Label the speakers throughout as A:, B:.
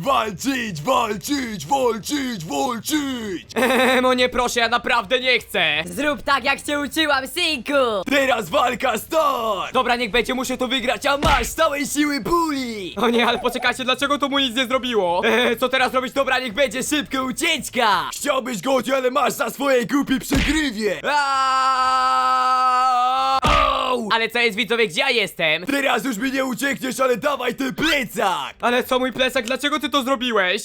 A: Walczyć, walczyć, walczyć, walczyć!
B: No nie proszę, ja naprawdę nie chcę.
C: Zrób tak, jak cię uczyłam, synku!
A: Teraz walka start!
B: Dobra, niech będzie, muszę to wygrać, a masz całej siły puli! O nie, ale poczekajcie, dlaczego to mu nic nie zrobiło? Co teraz robić? Dobra, niech będzie szybka ucieczka!
A: Chciałbyś Gotti, ale masz za swoje głupie przegrywie! Au!
B: Ale co jest, widzowie, gdzie ja jestem?
A: Teraz już mi nie uciekniesz, ale dawaj ten plecak!
B: Ale co, mój plecak, dlaczego ty to zrobiłeś?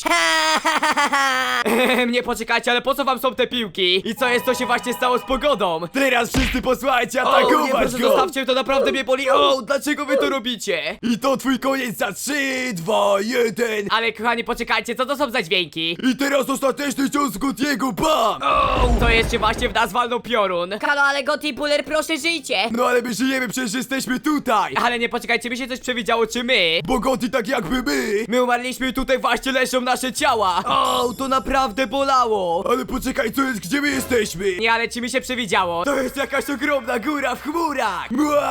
B: Nie poczekajcie, ale po co wam są te piłki? I co jest, co się właśnie stało z pogodą?
A: Teraz wszyscy posłuchajcie,
B: O, nie,
A: atakować
B: proszę,
A: go!
B: zostawcie, to naprawdę mnie boli. O, dlaczego wy to robicie?
A: I to twój koniec za 3, 2, 1!
B: Ale kochani, poczekajcie, co to są za dźwięki?
A: I teraz ostateczny cios Gottiego, bam!
B: To jeszcze właśnie w nas walnął piorun.
C: Halo, ale Gotti Puller, proszę żyjcie!
A: No ale my żyjemy, przecież jesteśmy tutaj!
B: Ale nie, poczekajcie, mi się coś przewidziało, czy my?
A: Bo Gotti tak jakby my!
B: My umarliśmy i tutaj właśnie leżą nasze ciała. O, to naprawdę bolało.
A: Ale poczekaj, co jest, gdzie my jesteśmy?
B: Nie, ale czy mi się przewidziało?
A: To jest jakaś ogromna góra w chmurach!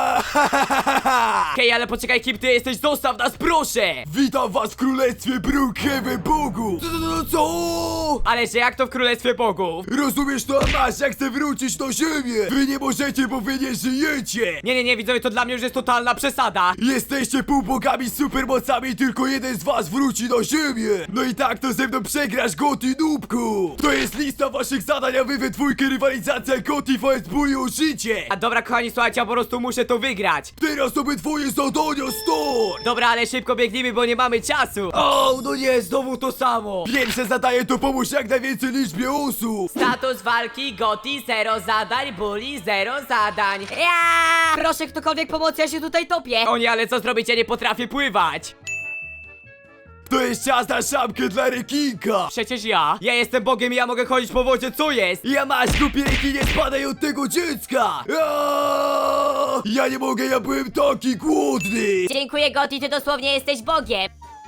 B: Hej, ale poczekaj, kim ty jesteś? Zostaw nas, proszę!
A: Witam was w królestwie Brookhaven Bogu! Co?
B: Ale że jak to w Królestwie Bogów?
A: Rozumiesz to, a masz, ja chcę wrócić na ziemię! Wy nie możecie, bo wy nie żyjecie!
B: Nie, widzowie, to dla mnie już jest totalna przesada.
A: Jesteście półbogami z supermocami i tylko jeden z was wróci na ziemię! No i tak to ze mną przegrasz, Gotti Nubku! To jest lista waszych zadań, a wy we dwójkę rywalizacja Gotti vs Bully o życie!
B: A dobra, kochani, słuchajcie, ja po prostu muszę to wygrać.
A: Teraz obydwoje zadania start!
B: Dobra, ale szybko biegnijmy, bo nie mamy czasu. O, no nie, znowu to samo.
A: Pierwsze zadanie to pomóż jak najwięcej liczbie osób!
B: Status walki Gotti 0 zadań, Bully 0 zadań.
C: Ja! Proszę ktokolwiek pomocy, ja się tutaj topię!
B: O nie, ale co zrobić, ja nie potrafię pływać.
A: To jest czas na szamkę dla rekinka!
B: Przecież ja jestem Bogiem i ja mogę chodzić po wodzie, co jest?
A: Ja masz głupie rekinie, spadaj od tego dziecka! Ja nie mogę, ja byłem taki głodny!
C: Dziękuję, Gotti, ty dosłownie jesteś Bogiem!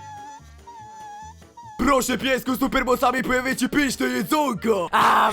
A: Proszę piesku, supermocami pojawię ci pyszne jedzonko!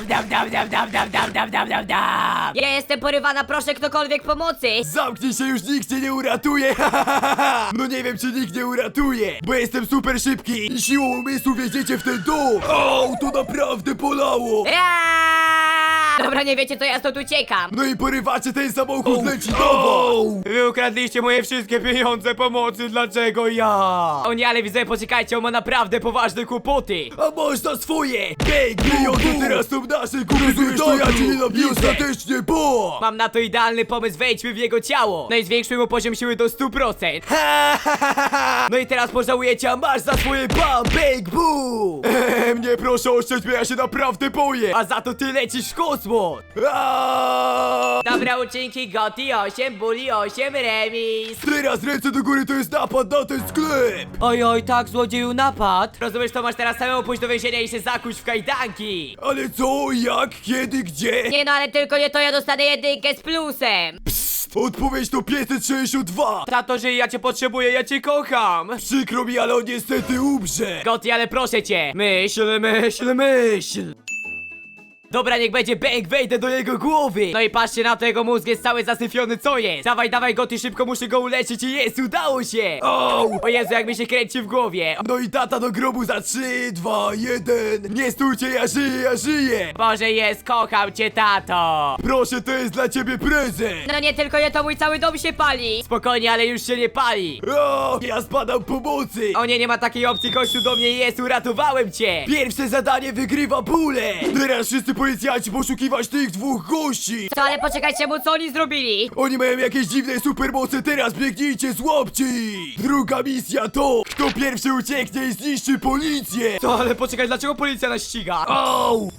C: Ja jestem porywana, proszę ktokolwiek pomocy!
A: Zamknij się, już nikt cię nie uratuje! No nie wiem, czy nikt nie uratuje, bo jestem super szybki i siłą umysłu wjedziecie w ten dom! O, to naprawdę bolało!
C: Dobra, nie wiecie co, ja stąd uciekam!
A: No i porywacie ten samochód, leci nową!
B: Wy ukradliście moje wszystkie pieniądze pomocy, dlaczego ja? O nie, ale widzę, poczekajcie, on ma naprawdę poważne kłopoty.
A: A można swoje! Bang! Pieniądze teraz są nasze, rozumiesz to, ja cię nienawidzę! I ostatecznie, bo!
B: Mam na to idealny pomysł, wejdźmy w jego ciało. No i zwiększmy mu poziom siły do 100%. No i teraz pożałujecie, a masz za swoje bam, bang, boom!
A: Nie proszę oszczędź mnie, ja się naprawdę boję!
B: A za to ty lecisz w kosmos. Dobra, uczynki Gotti 8, Bully 8, remis.
A: Teraz ręce do góry, to jest napad na ten sklep!
B: Oj, tak, złodzieju, napad. Rozumiesz, to masz teraz samemu pójść do więzienia i się zakuć w kajdanki.
A: Ale co, jak, kiedy, gdzie?
C: Nie no, ale tylko nie to, ja dostanę jedynkę z plusem!
A: Odpowiedź to 562!
B: Tato, że ja cię potrzebuję, ja cię kocham.
A: Przykro mi, ale on niestety umrze!
B: Gotti, ale proszę cię. Myśl. Dobra, niech będzie bang, wejdę do jego głowy. No i patrzcie na to, jego mózg jest cały zasyfiony, co jest? Dawaj, Gotti, szybko muszę go uleczyć i jest, udało się. O Jezu, jak mi się kręci w głowie.
A: No i tata do grobu za 3, 2, 1! Nie stójcie, ja żyję!
B: Boże, jest, kocham cię, tato.
A: Proszę, to jest dla ciebie prezent!
C: No nie tylko nie to, mój cały dom się pali!
B: Spokojnie, ale już się nie pali.
A: Ja spadam pomocy!
B: O nie, nie ma takiej opcji, gościu do mnie jest, uratowałem cię.
A: Pierwsze zadanie wygrywa Bule! Teraz wszyscy policjanci poszukiwać tych dwóch gości!
C: Co, ale poczekajcie, mu co oni zrobili?
A: Oni mają jakieś dziwne supermoce, teraz biegnijcie, złapcie ich! Druga misja to, kto pierwszy ucieknie i zniszczy policję!
B: Co, ale poczekaj, dlaczego policja nas ściga?
A: Au!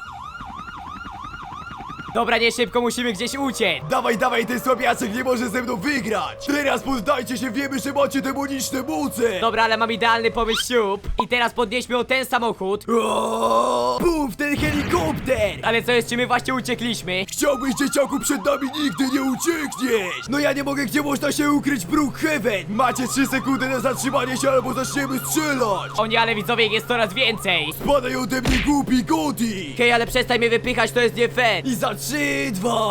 B: Dobra, nie szybko, musimy gdzieś uciec.
A: Dawaj, ten słabiaczek nie może ze mną wygrać! Teraz poddajcie się, wiemy, że macie demoniczne moce!
B: Dobra, ale mam idealny pomysł, siup. I teraz podnieśmy o ten samochód.
A: Buf, ten helikopter!
B: Ale co jest, czy my właśnie uciekliśmy?
A: Chciałbyś, dzieciaku, przed nami nigdy nie uciekniesz! No ja nie mogę, gdzie można się ukryć w Brookhaven! Macie 3 sekundy na zatrzymanie się, albo zaczniemy strzelać!
B: O nie, ale widzowie, ich jest coraz więcej.
A: Spadaj ode mnie, głupi Gotti!
B: Hej, ale przestań mnie wypychać, to jest nie fair.
A: I zatrzymaj 3, 2,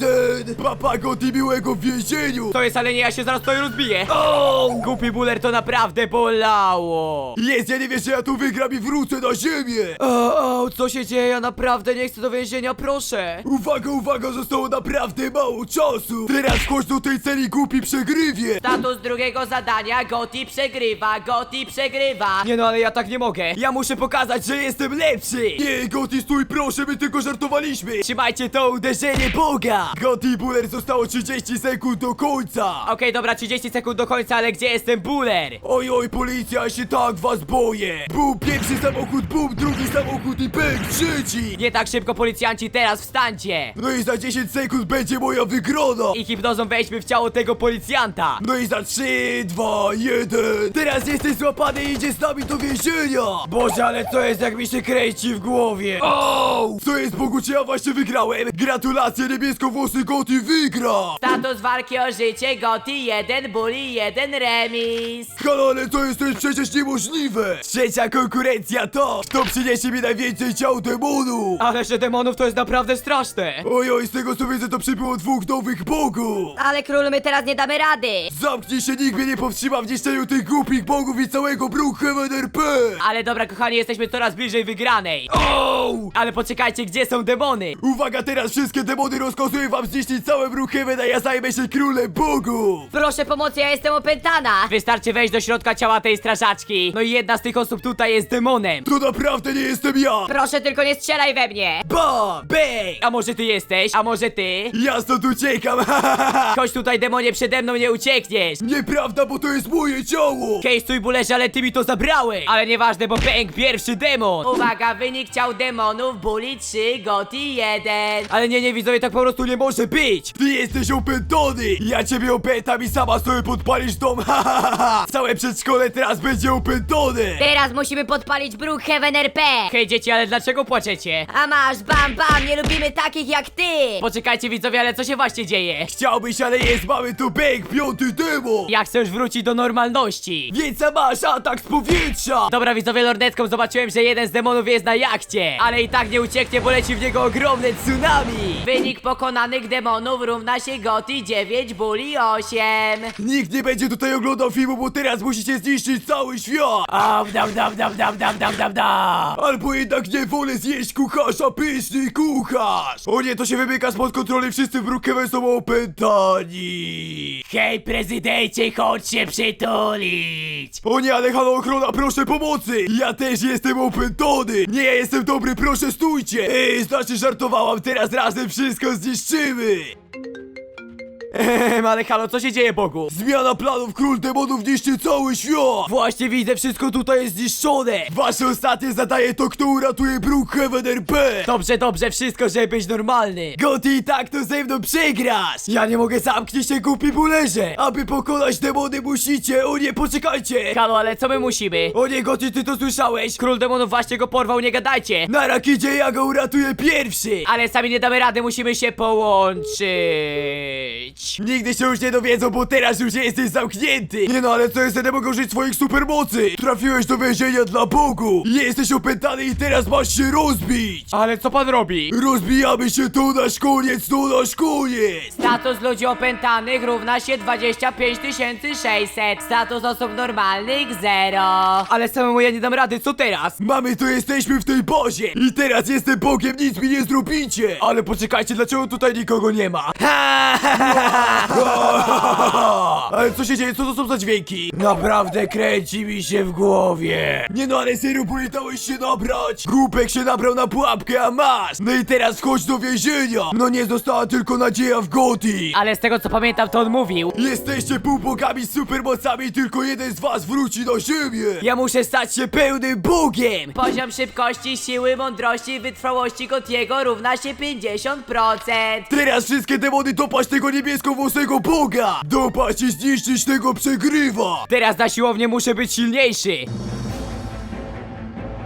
A: 1. Papa Gotti miłego w więzieniu.
B: To jest, ale nie, ja się zaraz tutaj rozbiję.
A: O!
B: Głupi buler, to naprawdę bolało.
A: Jest, ja nie wiesz, że ja tu wygram i wrócę na ziemię.
B: O, co się dzieje? Ja naprawdę nie chcę do więzienia, proszę.
A: Uwaga, uwaga, zostało naprawdę mało czasu. Teraz wchodź do tej celi, głupi przegrywie.
C: Status drugiego zadania, Gotti przegrywa, Gotti przegrywa.
B: Nie no, ale ja tak nie mogę. Ja muszę pokazać, że jestem lepszy.
A: Nie, Gotti, stój, proszę, my tylko żartowaliśmy.
B: Trzymajcie to uderzenie Boga.
A: Gotti Buller, zostało 30 sekund do końca.
B: Okej, dobra, 30 sekund do końca, ale gdzie jest ten buler?
A: Oj, oj, policja, ja się tak was boję. Bum, pierwszy samochód, bum, drugi samochód i pęk, trzeci.
B: Nie tak szybko, policjanci, teraz wstańcie.
A: No i za 10 sekund będzie moja wygrana.
B: I hipnozą wejdźmy w ciało tego policjanta.
A: No i za 3, 2, 1. Teraz jesteś złapany i idzie z nami do więzienia.
B: Boże, ale co jest, jak mi się kręci w głowie?
A: O! Co jest, Bogu, czy ja właśnie wygrałem? Gratulacje, niebieskowłosy Gotti wygra.
C: Status walki o życie, Gotti 1, Bully 1, remis.
A: Halo, ale to jest przecież niemożliwe. Trzecia konkurencja to, kto przyniesie mi najwięcej ciał demonu.
B: Ale że demonów to jest naprawdę straszne.
A: Oj, oj, z tego co widzę, to przybyło 2 nowych bogów.
C: Ale królu, my teraz nie damy rady.
A: Zamknij się, nikt mnie nie powstrzyma w niszczeniu tych głupich bogów i całego Brookhaven RP.
B: Ale dobra, kochani, jesteśmy coraz bliżej wygranej.
A: O!
B: Ale poczekajcie, gdzie są demony?
A: Uwaga, teraz wszystkie demony rozkazuję wam zniszczyć całe Brookhaven, a ja zajmę się królem bogów.
C: Proszę pomocy, ja jestem opętana.
B: Wystarczy wejść do środka ciała tej strażaczki. No i jedna z tych osób tutaj jest demonem.
A: To naprawdę nie jestem ja.
C: Proszę tylko nie strzelaj we mnie.
B: Ba! Bej! A może ty jesteś? A może ty?
A: Ja stąd uciekam, ha, ha, ha, ha.
B: Chodź tutaj, demonie, przede mną nie uciekniesz.
A: Nieprawda, bo to jest moje ciało.
B: Hej, stój, bulerze, ale ty mi to zabrałeś. Ale nieważne, bo pęk pierwszy demon.
C: Uwaga, wynik ciał demonów, Bully 3, Gotti 1.
B: Ale nie, widzowie, tak po prostu nie może być.
A: Ty jesteś opętany. Ja ciebie opętam i sama sobie podpalisz dom, ha, ha, ha, ha. Całe przedszkole teraz będzie opętane.
C: Teraz musimy podpalić Brookhaven RP.
B: Hej, dzieci, ale dlaczego płaczecie?
C: A masz, bam, bam, nie lubimy takich jak ty.
B: Poczekajcie, widzowie, ale co się właśnie dzieje?
A: Chciałbyś, ale jest, mamy tu bęk, 5. demon.
B: Ja chcę już wrócić do normalności.
A: Więc masz atak z powietrza.
B: Dobra, widzowie, lornetką zobaczyłem, że jeden z demonów jest na jachcie. Ale i tak nie ucieknie, bo leci w niego ogromne tsunami.
C: Wynik pokonanych demonów równa się Gotti 9, Bully 8.
A: Nikt nie będzie tutaj oglądał filmu, bo teraz musicie zniszczyć cały świat. Albo jednak nie wolę zjeść kucharza, pyszny kucharz. O nie, to się wymyka spod kontroli, wszyscy w Brookhaven są opętani.
B: Hej, prezydencie, chodź się przytulić.
A: O nie, ale halo, ochrona, proszę pomocy. Ja też jestem opętany. Nie, ja jestem dobry, proszę stójcie. Ej, znaczy żartowałam, teraz razem wszystko zniszczymy.
B: Ale halo, co się dzieje, Bogu?
A: Zmiana planów, król demonów niszczy cały świat.
B: Właśnie widzę, wszystko tutaj jest zniszczone.
A: Wasze ostatnie zadanie to kto uratuje Brookhaven RP.
B: Dobrze, wszystko, żeby być normalny.
A: Gotti, i tak to ze mną przegrasz. Ja nie mogę, zamknij się, głupi bulerze. Aby pokonać demony musicie, o nie, poczekajcie.
B: Halo, ale co my musimy?
A: O nie, Gotti, ty to słyszałeś?
B: Król demonów właśnie go porwał, nie gadajcie.
A: Na rakidzie ja go uratuję pierwszy.
B: Ale sami nie damy rady, musimy się połączyć.
A: Nigdy się już nie dowiedzą, bo teraz już jesteś zamknięty. Nie no, ale co jest, nie mogę użyć swoich supermocy. Trafiłeś do więzienia dla Bogu. Jesteś opętany i teraz masz się rozbić.
B: Ale co pan robi?
A: Rozbijamy się, to nasz koniec, to nasz koniec.
C: Status ludzi opętanych równa się 25 600. Status osób normalnych 0.
B: Ale samemu ja nie dam rady, co teraz?
A: Mamy to, jesteśmy w tej bazie. I teraz jestem Bogiem, nic mi nie zrobicie.
B: Ale poczekajcie, dlaczego tutaj nikogo nie ma?
A: Ale co się dzieje, co to są za dźwięki?
B: Naprawdę kręci mi się w głowie.
A: Nie no, ale serio, politałeś się nabrać. Głupek się nabrał na pułapkę, a masz. No i teraz wchodź do więzienia. No nie została tylko nadzieja w Gotti.
B: Ale z tego co pamiętam, to on mówił.
A: Jesteście półbogami z supermocami, tylko jeden z was wróci na ziemię.
B: Ja muszę stać się pełnym Bogiem.
C: Poziom szybkości, siły, mądrości i wytrwałości Gottiego równa się 50%.
A: Teraz wszystkie demony dopaść tego niebieskowłosego boga. Dopaść i zniszczyć tego przegrywa.
B: Teraz na siłownię muszę być silniejszy.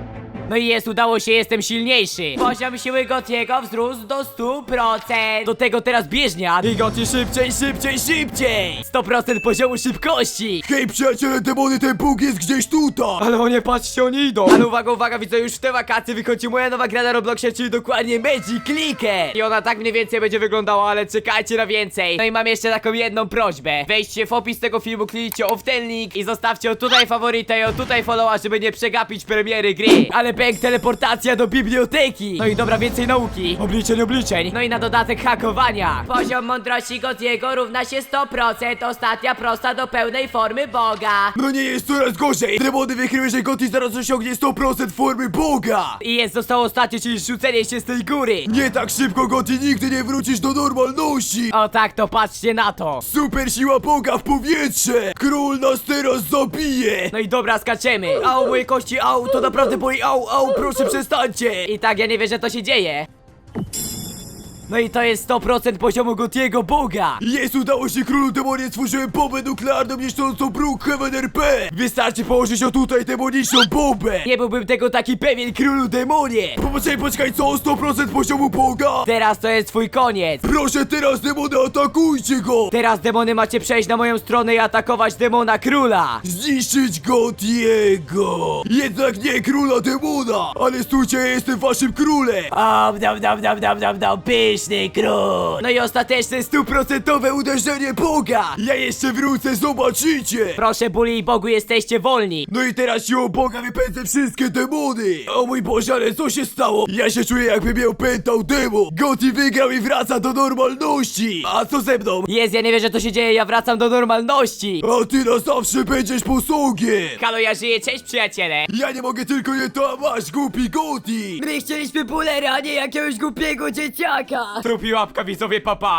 B: No i jest, udało się, jestem silniejszy.
C: Poziom siły Gotiego wzrósł do 100%.
B: Do tego teraz bieżnia. I Gotti szybciej, szybciej, szybciej. 100% poziomu szybkości.
A: Hej przyjaciele demony, ten Bóg jest gdzieś tutaj!
B: Ale o nie, patrzcie, oni idą. Ale uwaga, uwaga, widzę, już w te wakacje wychodzi moja nowa gra na Robloxie, czyli dokładnie Magic Clicker. I ona tak mniej więcej będzie wyglądała, ale czekajcie na więcej. No i mam jeszcze taką jedną prośbę. Wejdźcie w opis tego filmu, kliknijcie o w ten link i zostawcie o tutaj faworyta i o tutaj followa, żeby nie przegapić premiery gry. Ale pęk, teleportacja do biblioteki. No i dobra, więcej nauki. Obliczeń, obliczeń. No i na dodatek hakowania.
C: Poziom mądrości Gotiego równa się 100%. Ostatnia prosta do pełnej formy Boga.
A: No nie, jest coraz gorzej! Demony wykryły, że Gotti zaraz osiągnie 100% formy Boga!
B: I jest, zostało ostatnie, czyli rzucenie się z tej góry.
A: Nie tak szybko, Gotti, nigdy nie wrócisz do normalności!
B: O tak, to patrzcie na to.
A: Super siła Boga w powietrze! Król nas teraz zabije!
B: No i dobra, skaczemy. Au, moje kości, au, to naprawdę boli, au, proszę przestańcie. I tak, ja nie wiem, że to się dzieje. No i to jest 100% poziomu Gotiego Boga.
A: Jest, udało się królu demonie, stworzyłem bombę nuklearną niszczącą Brookhaven RP! Wystarczy położyć o tutaj demoniczną bombę!
B: Nie byłbym tego taki pewien, królu demonie.
A: Poczekaj, co? 100% poziomu Boga?
B: Teraz to jest twój koniec.
A: Proszę teraz demony, atakujcie go!
B: Teraz demony macie przejść na moją stronę i atakować demona króla.
A: Zniszczyć Gotiego! Jednak nie króla demona! Ale stójcie, ja jestem waszym królem!
B: Pyszny król. No i ostateczne 100% uderzenie Boga.
A: Ja jeszcze wrócę, zobaczycie!
B: Proszę, Bully i Bogu, jesteście wolni.
A: No i teraz siłą Boga wypędzę wszystkie demony! O mój Boże, ale co się stało? Ja się czuję, jakby mnie opętał demon! Gotti wygrał i wraca do normalności! A co ze mną?
B: Jest, ja nie wiem, że to się dzieje, ja wracam do normalności.
A: A ty na zawsze będziesz posługiem!
B: Halo, ja żyję, cześć przyjaciele.
A: Ja nie mogę tylko je to, a masz głupi Gotti!
C: My chcieliśmy Bullera, a nie jakiegoś głupiego dzieciaka.
B: Trupi łapka, widzowie, papa.